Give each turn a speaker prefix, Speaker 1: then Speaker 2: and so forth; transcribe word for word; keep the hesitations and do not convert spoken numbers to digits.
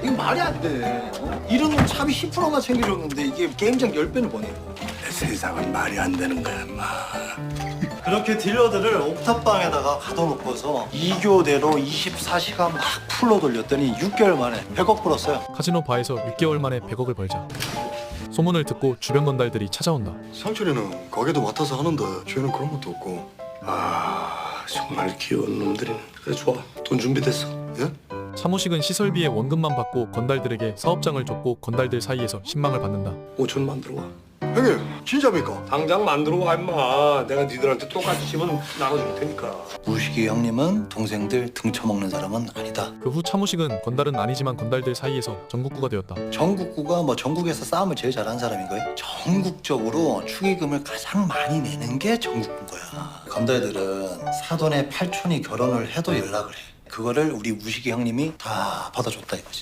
Speaker 1: 이게 말이 안 돼. 어? 이런 놈 차비 십 퍼센트만 챙겨줬는데 이게 게임장 십 배는 버네.
Speaker 2: 세상은 말이 안 되는 거야, 인마.
Speaker 1: 그렇게 딜러들을 옥탑방에다가 가둬놓고서 이 교대로 이십사 시간 막 풀로 돌렸더니 육 개월 만에 백억 벌었어요.
Speaker 3: 카지노 바에서 육 개월 만에 백억을 벌자 소문을 듣고 주변 건달들이 찾아온다.
Speaker 2: 상철이는 가게도 맡아서 하는데 쟤는 그런 것도 없고. 아, 정말 귀여운 놈들이네. 그래, 좋아. 돈 준비됐어. 예?
Speaker 3: 차무식은 시설비의 원금만 받고 건달들에게 사업장을 줬고 건달들 사이에서 신망을 받는다.
Speaker 2: 오천만 들어와. 형님, 진짜입니까? 당장 만들어 와, 임마. 내가 니들한테 똑같이 집은 나눠줄 테니까.
Speaker 1: 무식이 형님은 동생들 등쳐먹는 사람은 아니다.
Speaker 3: 그 후 차무식은 건달은 아니지만 건달들 사이에서 전국구가 되었다.
Speaker 1: 전국구가 뭐 전국에서 싸움을 제일 잘하는 사람인 거예요. 전국적으로 축의금을 가장 많이 내는 게 전국구인 거야. 건달들은 사돈의 팔촌이 결혼을 해도 연락을 해. 그거를 우리 무식이 형님이 다 받아줬다 이거지.